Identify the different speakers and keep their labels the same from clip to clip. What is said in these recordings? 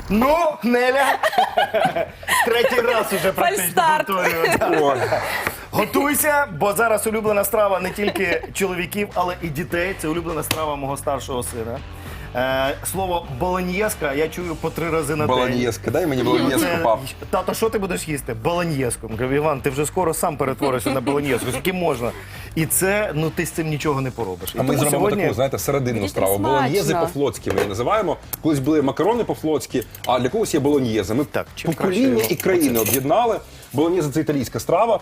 Speaker 1: Ну, Неля, третій раз уже практично
Speaker 2: Фальстарт.
Speaker 1: повторюю. да.
Speaker 3: Ой.
Speaker 1: Готуйся, бо зараз улюблена страва не тільки чоловіків, але і дітей. Це улюблена страва мого старшого сина. Слово болоньєзка я чую по 3 рази на день.
Speaker 3: Болоньєзка, дай мені болоньєзку, пап.
Speaker 1: Тато, що ти будеш їсти? Болоньєзку. Кажу, Іван, ти вже скоро сам перетворишся на болоньєзку. Скільки можна? І це, ну ти з цим нічого не поробиш. І
Speaker 3: А ми
Speaker 1: тому
Speaker 3: зробимо
Speaker 1: сьогодні...
Speaker 3: таку, знаєте, серединну
Speaker 2: Діти,
Speaker 3: страву.
Speaker 2: смачно.
Speaker 3: Болоньєзи по-флотськи ми її називаємо. Колись були макарони по-флотськи, а для когось є болоньєзи. Ми
Speaker 1: Так, чим
Speaker 3: покоління
Speaker 1: краще
Speaker 3: і країни об'єднали. Болоньєзи – це італійська страва,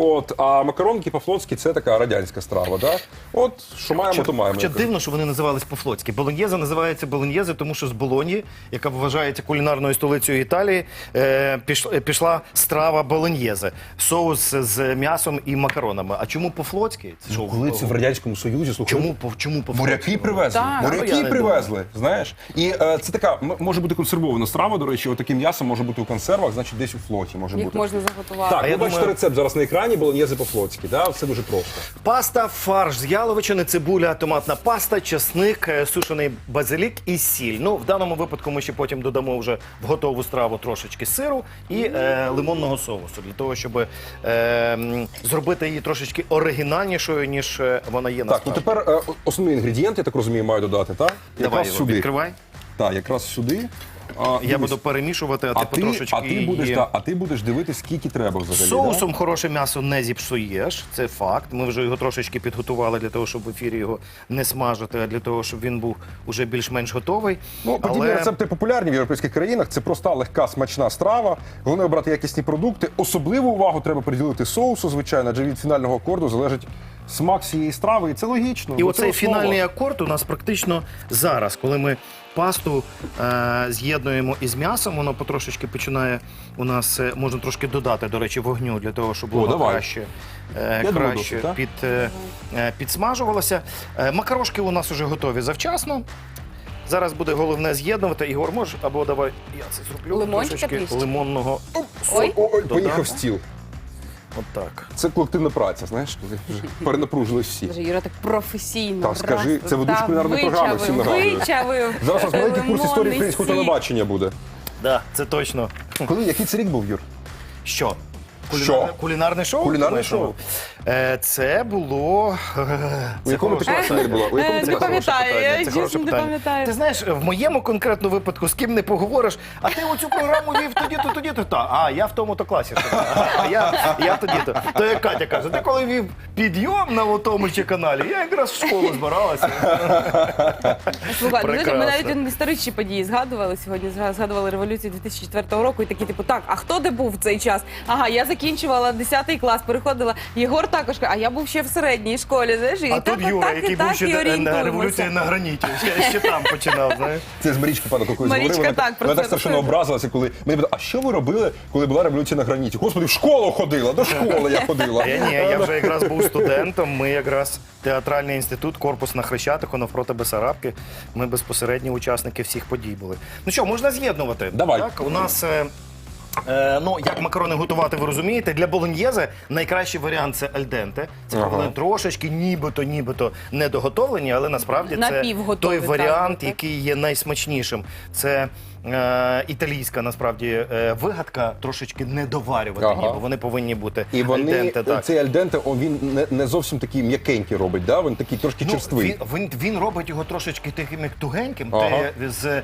Speaker 3: а макаронки по-флотськи – це така радянська страва. Да? От, що маємо, то маємо.
Speaker 1: Хоча дивно, що вони називались по-флотськи. Болоньєза називається болоньєзи, тому що з Болоні, яка вважається кулінарною столицею Італії, пішла страва болоньєзе. Соус з м'ясом і макаронами. А чому по-флотськи? Це що,
Speaker 3: Коли це в Радянському Союзі, слухай,
Speaker 1: чому по-флотськи?
Speaker 3: моряки привезли.
Speaker 2: Так.
Speaker 1: Я
Speaker 3: Моряки
Speaker 1: не
Speaker 3: привезли, знаєш. І це така, може бути консервована страва, до речі, отаке м'ясо може бути у консервах, значить десь у флоті може
Speaker 2: Їх
Speaker 3: бути.
Speaker 2: можна заготувати.
Speaker 3: Так,
Speaker 1: я
Speaker 3: ви бачите
Speaker 1: думаю-
Speaker 3: рецепт зараз на екрані, болоньєзи по-флотськи, да? Все дуже просто.
Speaker 1: Паста, фарш з яловичини, цибуля, томатна паста, чесник, сушений базилік і сіль. Ну, в даному випадку ми ще потім додамо вже в готову страву трошечки сиру і лимонного соусу, для того, щоб зробити її трошечки оригінальнішою, ніж вона є
Speaker 3: Так, ну
Speaker 1: насправді.
Speaker 3: тепер основний інгредієнт, я так розумію, маю додати, так?
Speaker 1: Давай
Speaker 3: Якраз
Speaker 1: його
Speaker 3: сюди.
Speaker 1: відкривай.
Speaker 3: Так, якраз сюди.
Speaker 1: Я
Speaker 3: Дивись.
Speaker 1: буду перемішувати, а ти потрошечки
Speaker 3: а ти будеш дивитись, скільки треба взагалі.
Speaker 1: Соусом хороше м'ясо не зіпсуєш, це факт. Ми вже його трошечки підготували для того, щоб в ефірі його не смажити, а для того, щоб він був уже більш-менш готовий.
Speaker 3: Ну, подібні рецепти популярні в європейських країнах. Це проста, легка, смачна страва. Головне обрати якісні продукти. Особливу увагу треба приділити соусу, звичайно, адже від фінального акорду залежить смак цієї страви. І це логічно.
Speaker 1: І
Speaker 3: До
Speaker 1: оцей
Speaker 3: цього слова.
Speaker 1: фінальний акорд у нас практично зараз, коли ми пасту з'єднуємо із м'ясом, воно потрошечки починає у нас, можна трошки додати, до речі, вогню, для того, щоб воно
Speaker 3: давай.
Speaker 1: краще,
Speaker 3: думаю,
Speaker 1: краще
Speaker 3: досить, так?
Speaker 1: підсмажувалося. Макарошки у нас вже готові завчасно. Зараз буде головне з'єднувати. Ігор, можеш, або давай я це зроблю.
Speaker 2: Лимончика
Speaker 1: Трошечки
Speaker 2: трішки.
Speaker 1: лимонного.
Speaker 2: Ой.
Speaker 3: Ой,
Speaker 1: Додам.
Speaker 3: поїхав стіл.
Speaker 1: От так.
Speaker 3: Це колективна праця, знаєш, коли вже перенапружились всі.
Speaker 2: Боже, Юра так професійно.
Speaker 3: Так, скажи,
Speaker 2: раз,
Speaker 3: це ведучий
Speaker 2: та,
Speaker 3: кулінарної програми, всім нагадую.
Speaker 2: Вичавив.
Speaker 3: Зараз у нас маленький курс історії
Speaker 2: Лимонний
Speaker 3: українського
Speaker 2: сік.
Speaker 3: телебачення буде.
Speaker 1: Да, це точно.
Speaker 3: Коли, який це рік був, Юр?
Speaker 1: Що?
Speaker 3: Що?
Speaker 1: Кулінарне шоу?
Speaker 3: Кулінарне
Speaker 1: Думаєш,
Speaker 3: шоу.
Speaker 1: Це було...
Speaker 3: У якому ти класі Нель була? У якому ти
Speaker 2: Не
Speaker 3: класі?
Speaker 2: пам'ятаю, я
Speaker 1: Це хороше
Speaker 2: чесно не
Speaker 1: питання.
Speaker 2: пам'ятаю.
Speaker 1: Ти знаєш, в моєму конкретному випадку з ким не поговориш, а ти оцю програму вів тоді-то. Та, а я в тому-то класі. А я тоді-то. То як Катя каже, ти коли вів підйом на тому ще каналі, я якраз в школу збиралася.
Speaker 2: Слухай, ну, знаєте, ми
Speaker 1: Прекрасно.
Speaker 2: навіть історичні події згадували сьогодні. Згадували революцію 2004 року і такі, типу, так, а хто де був в цей час? Ага, я закінчувала 10 клас, переходила. Єгор також, а я був ще в середній школі, знаєш, і
Speaker 1: А
Speaker 2: так,
Speaker 1: тут Юра,
Speaker 2: так,
Speaker 1: який
Speaker 2: і
Speaker 1: був
Speaker 2: так,
Speaker 1: ще
Speaker 2: і
Speaker 1: на
Speaker 2: орієнтуємося.
Speaker 1: революції на граніті. Ще там починав, знаєш.
Speaker 3: Це з Марічки пана такою
Speaker 2: Марічка,
Speaker 3: говорила.
Speaker 2: так, про
Speaker 3: Вона
Speaker 2: це
Speaker 3: так страшенно
Speaker 2: розповідала.
Speaker 3: образилася, коли мені питали, а що ви робили, коли була революція на граніті? Господи, в школу ходила, до школи я ходила.
Speaker 1: Я вже якраз був студентом, ми якраз театральний інститут, корпус на Хрещатику, навпроти Бесарабки. Ми безпосередні учасники всіх подій були. Ну що, можна з'єднувати?
Speaker 3: Давай.
Speaker 1: Так, у нас... Ну, як макарони готувати, ви розумієте. Для болоньєзе найкращий варіант – це альденте. Це коли вони трошечки нібито недоготовлені, але насправді це
Speaker 2: Напівготові,
Speaker 1: той
Speaker 2: так,
Speaker 1: варіант,
Speaker 2: так.
Speaker 1: який є найсмачнішим. Це італійська, насправді, вигадка трошечки недоварювати,
Speaker 3: Ага.
Speaker 1: бо вони повинні бути
Speaker 3: І вони,
Speaker 1: альденте. Так.
Speaker 3: цей альденте, він не зовсім такий м'якенький робить, да? Він такий трошки черствий.
Speaker 1: Він робить його трошечки таким як тугеньким.
Speaker 3: Ага.
Speaker 1: Ти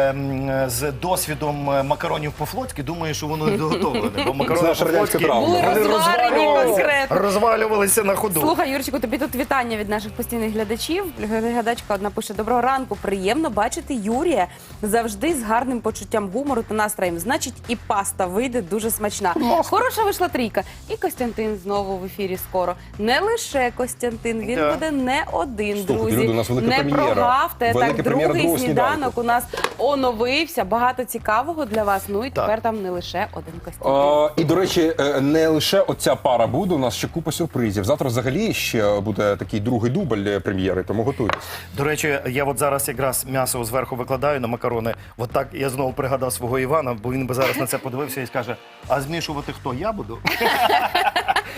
Speaker 1: з досвідом макаронів по-флотськи думаєш, що воно доготовлене. Бо макарони
Speaker 3: наша радянська
Speaker 1: по-флотськи
Speaker 3: травма.
Speaker 2: Були
Speaker 1: вони
Speaker 2: розварені конкретно.
Speaker 1: розвалювалися на ходу.
Speaker 2: Слухай, Юрчику, тобі тут вітання від наших постійних глядачів. Глядачка одна пише: доброго ранку, приємно бачити Юрія завжди з гарним почуттям гумору та настроєм. Значить, і паста вийде дуже смачна. Хороша вийшла трійка. І Костянтин знову в ефірі скоро. Не лише Костянтин, він
Speaker 1: Да.
Speaker 2: буде не один,
Speaker 3: Слухайте,
Speaker 2: друзі.
Speaker 3: люди, у нас велика
Speaker 2: Не
Speaker 3: прем'єра.
Speaker 2: прогавте.
Speaker 3: Велика
Speaker 2: Так,
Speaker 3: прем'єра
Speaker 2: другий
Speaker 3: другого
Speaker 2: сніданок
Speaker 3: сніданку.
Speaker 2: у нас оновився. Багато цікавого для вас. Ну і
Speaker 1: Так.
Speaker 2: тепер там не лише один Костянтин.
Speaker 3: І, до речі, не лише оця пара буде, у нас ще купа сюрпризів. Завтра взагалі ще буде такий другий дубль прем'єри, тому готуйтесь.
Speaker 1: До речі, я от зараз якраз м'ясо зверху викладаю на макарони. От так я знову пригадав свого Івана, бо він би зараз на це подивився і скаже, а змішувати хто? Я буду?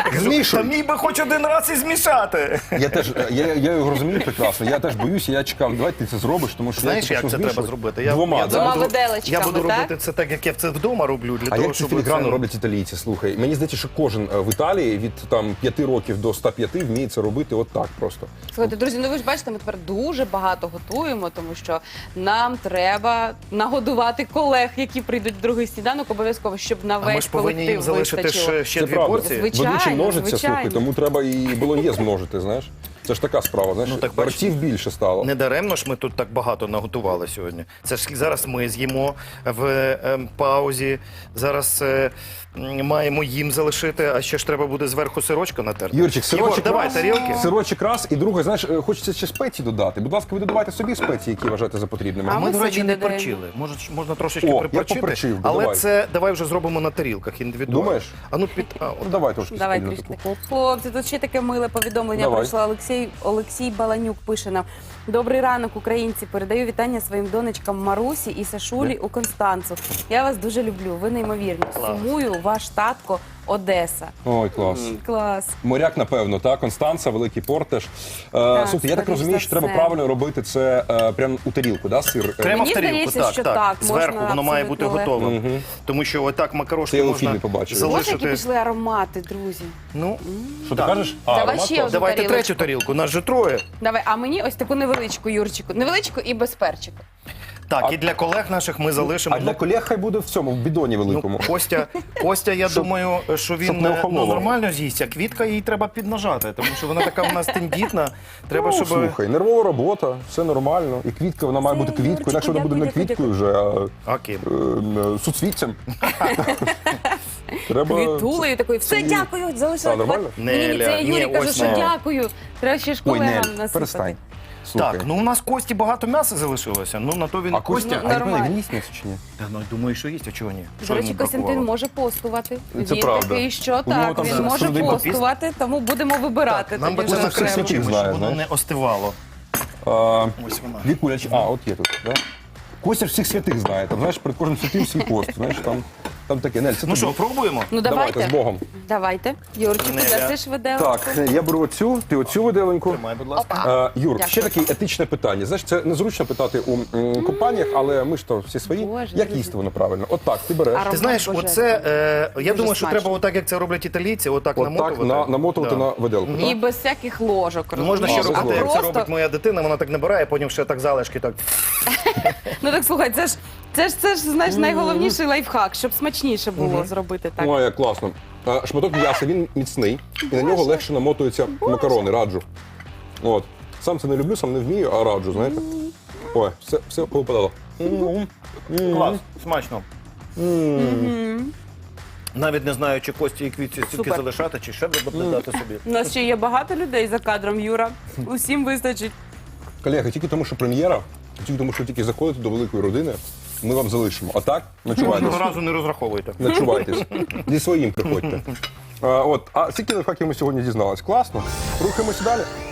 Speaker 3: Змішуй.
Speaker 1: Та міг би хоч один раз і змішати.
Speaker 3: Я теж, я його розумію прекрасно. Я теж боюся, я чекав, давай ти це зробиш, тому що
Speaker 1: Знаєш,
Speaker 3: я
Speaker 1: як
Speaker 3: тільки
Speaker 1: це
Speaker 3: що
Speaker 1: треба
Speaker 3: змішую.
Speaker 1: зробити?
Speaker 3: Двома,
Speaker 2: Двома
Speaker 3: да?
Speaker 2: виделечками,
Speaker 1: Я буду
Speaker 2: так?
Speaker 1: робити це так, як я це вдома роблю, для
Speaker 3: А
Speaker 1: того,
Speaker 3: як ці
Speaker 1: щоб
Speaker 3: філіграни
Speaker 1: це...
Speaker 3: роблять італійці? Слухай, мені здається, що кожен в Італії від там 5 років до 105 вміє це робити от так просто.
Speaker 2: Слухайте, друзі, ну ви ж бачите, ми тепер дуже багато готуємо, тому що нам треба нагодувати колег, які прийдуть в другий сніданок, обов'язково, щоб на
Speaker 1: А ми
Speaker 2: весь
Speaker 1: ж повинні їм
Speaker 2: колектив
Speaker 1: залишити
Speaker 2: вистачило.
Speaker 1: ще
Speaker 3: Це
Speaker 1: дві
Speaker 3: правда.
Speaker 1: порції.
Speaker 2: Звичайно,
Speaker 3: Ведучий множиться,
Speaker 2: звичайно.
Speaker 3: слухай, тому треба і болоньєз множити, знаєш. Це ж така справа, знаєш,
Speaker 1: Ну, так, бачиш,
Speaker 3: ртів більше стало.
Speaker 1: Не даремно ж ми тут так багато наготували сьогодні. Це ж зараз ми з'їмо в паузі, зараз маємо їм залишити, а ще ж треба буде зверху сирочка натерти.
Speaker 3: Юрчик, сирочок
Speaker 1: Єгор, давай
Speaker 3: раз,
Speaker 1: тарілки.
Speaker 3: Сирочок раз, і друге, знаєш, хочеться ще спеції додати. Будь ласка, ви додавайте собі спеції, які вважаєте за потрібними.
Speaker 2: А
Speaker 1: Ми,
Speaker 2: ми
Speaker 1: до речі,
Speaker 2: собі
Speaker 1: не
Speaker 2: додаємо.
Speaker 1: перчили. Можна трошечки
Speaker 3: О, я
Speaker 1: приперчити,
Speaker 3: поперчив,
Speaker 1: але
Speaker 3: давай.
Speaker 1: це давай вже зробимо на тарілках індивідуально.
Speaker 3: Думаєш?
Speaker 1: А ну під
Speaker 3: Ну, давай трошки
Speaker 2: Давай
Speaker 3: спільно
Speaker 2: трішки.
Speaker 3: таку.
Speaker 2: Хлопці, тут ще таке миле повідомлення
Speaker 3: Давай.
Speaker 2: прийшло. Олексій Баланюк пише нам. Добрий ранок, українці. Передаю вітання своїм донечкам Марусі і Сашулі у Констанцу. Я вас дуже люблю. Ви неймовірні. Сумую, ваш татко Одеса.
Speaker 3: Ой, клас.
Speaker 2: Клас.
Speaker 3: Моряк, напевно, та Констанца, великий порт теж. Слухайте, я так
Speaker 2: скоріш
Speaker 3: розумію,
Speaker 2: за
Speaker 3: що треба
Speaker 2: все.
Speaker 3: правильно робити це прямо у тарілку, да, сир?
Speaker 1: Прямо
Speaker 2: Мені
Speaker 1: в тарілку,
Speaker 2: здається, що так,
Speaker 1: Зверху
Speaker 2: можна
Speaker 1: воно має бути
Speaker 2: абсолютно
Speaker 1: готовим. Тому що отак
Speaker 3: Це
Speaker 1: макарошки
Speaker 3: я у
Speaker 1: можна
Speaker 3: фільмі побачив.
Speaker 2: Боже, які
Speaker 1: залишити.
Speaker 2: пішли аромати, друзі.
Speaker 1: Ну,
Speaker 3: Що ти
Speaker 1: так.
Speaker 3: кажеш?
Speaker 2: Давай
Speaker 3: аромат
Speaker 2: ще
Speaker 3: клас.
Speaker 2: одну.
Speaker 1: Давайте
Speaker 2: тарілочку.
Speaker 1: третю тарілку, нас же троє.
Speaker 2: Давай, а мені ось таку невеличку, Юрчику. Невеличку і без перчика.
Speaker 1: Так, і для колег наших ми залишимо.
Speaker 3: А для колег хай буде в цьому, в бідоні великому.
Speaker 1: Костя, я думаю, що
Speaker 3: щоб
Speaker 1: він
Speaker 3: не охололо.
Speaker 1: нормально з'їсть, а Квітка їй треба піднажати, тому що вона така у нас тендітна. Треба,
Speaker 3: Ну,
Speaker 1: щоб...
Speaker 3: слухай, нервова робота, все нормально. І квітка, вона має
Speaker 2: Це,
Speaker 3: бути квіткою,
Speaker 2: Юрчику,
Speaker 3: інакше вона буде не
Speaker 2: дякую,
Speaker 3: квіткою вже, а
Speaker 1: Окей.
Speaker 3: суцвіттям. Треба...
Speaker 2: Квітулею такою. Все, дякую, залишила.
Speaker 3: А, нормально?
Speaker 2: Ні, це я
Speaker 1: Неля,
Speaker 2: Юрі
Speaker 1: ні,
Speaker 2: кажу,
Speaker 1: ось
Speaker 2: що
Speaker 1: не.
Speaker 2: дякую. Треба ще ж
Speaker 3: Ой,
Speaker 2: колегам
Speaker 3: Нель,
Speaker 2: насипати.
Speaker 3: перестань. Слухай.
Speaker 1: Так, ну у нас Кості багато м'яса залишилося. Ну на то він
Speaker 3: А Костя,
Speaker 2: Ну,
Speaker 3: а
Speaker 2: нормально.
Speaker 3: він їсть м'ясо чи ні?
Speaker 1: Та, ну думаю, що їсть, а чого ні?
Speaker 2: До
Speaker 1: Що
Speaker 2: речі,
Speaker 1: йому
Speaker 2: Костянтин
Speaker 1: бракувало?
Speaker 2: може постувати.
Speaker 3: Це
Speaker 2: Він
Speaker 3: правда.
Speaker 2: такий, що
Speaker 3: У нього
Speaker 2: так,
Speaker 3: там
Speaker 2: він
Speaker 3: зараз
Speaker 2: може
Speaker 3: судовий попіст.
Speaker 2: постувати, тому будемо вибирати.
Speaker 1: Нам би
Speaker 2: тоді
Speaker 1: це
Speaker 2: вже
Speaker 3: закрити
Speaker 2: окремо.
Speaker 3: свічі.
Speaker 1: закрити,
Speaker 3: знаю,
Speaker 1: щоб воно
Speaker 3: знаєш.
Speaker 1: не остивало. Ось вона.
Speaker 3: Вікуля, от є тут, да? Костя ж всіх святих знає, там, знаєш, перед кожним святим свій пост, знаєш, там таке. Нель, це
Speaker 1: Ну
Speaker 3: тобі.
Speaker 1: що, пробуємо?
Speaker 2: Ну
Speaker 3: Давайте,
Speaker 2: давайте.
Speaker 3: з Богом.
Speaker 2: Давайте. Юрчику,
Speaker 1: Неля.
Speaker 2: дасиш виделку?
Speaker 3: Так, я беру оцю, ти оцю виделеньку.
Speaker 1: Тримай, будь ласка.
Speaker 3: Юр,
Speaker 2: Дякую.
Speaker 3: ще таке етичне питання. Знаєш, це незручно питати у компаніях, але ми ж то всі свої.
Speaker 2: Боже,
Speaker 3: Як
Speaker 2: друзі.
Speaker 3: їсти воно правильно? От так, ти береш.
Speaker 2: Аромат
Speaker 1: Ти знаєш,
Speaker 2: божественний.
Speaker 1: оце, я
Speaker 2: Дуже
Speaker 1: думаю, що
Speaker 2: смачно.
Speaker 1: треба отак, як це роблять італійці, отак
Speaker 3: От так
Speaker 1: намотувати.
Speaker 3: намотувати
Speaker 1: Да.
Speaker 3: на виделку.
Speaker 2: І без всяких ложок.
Speaker 1: Ну, можна ще
Speaker 2: розумієш?
Speaker 1: робити,
Speaker 2: А
Speaker 1: як це
Speaker 2: просто-
Speaker 1: робить моя дитина, вона так набирає, потім ще так залишки так.
Speaker 2: Ну так слухай, це ж знаєш, найголовніший лайфхак, щоб смачніше було зробити так.
Speaker 3: Ой, як класно. Шматок м'яса, він міцний, і на нього легше намотуються макарони, раджу. От. Сам це не люблю, сам не вмію, а раджу, знаєте. Ой, все повипадало.
Speaker 1: Клас, смачно. Навіть не знаю, чи Кості і Квітці стільки
Speaker 2: Супер.
Speaker 1: залишати, чи ще додати собі.
Speaker 2: У нас ще є багато людей за кадром, Юра. Усім вистачить.
Speaker 3: Колеги, тільки тому, що прем'єра, тільки тому, що тільки заходите до великої родини, ми вам залишимо. А так,
Speaker 1: Жодного
Speaker 3: начувайтесь.
Speaker 1: разу не розраховуйте.
Speaker 3: Начувайтесь. Зі своїм приходьте. А скільки лайфхаків ми сьогодні дізналися? Класно. Рухаємося далі.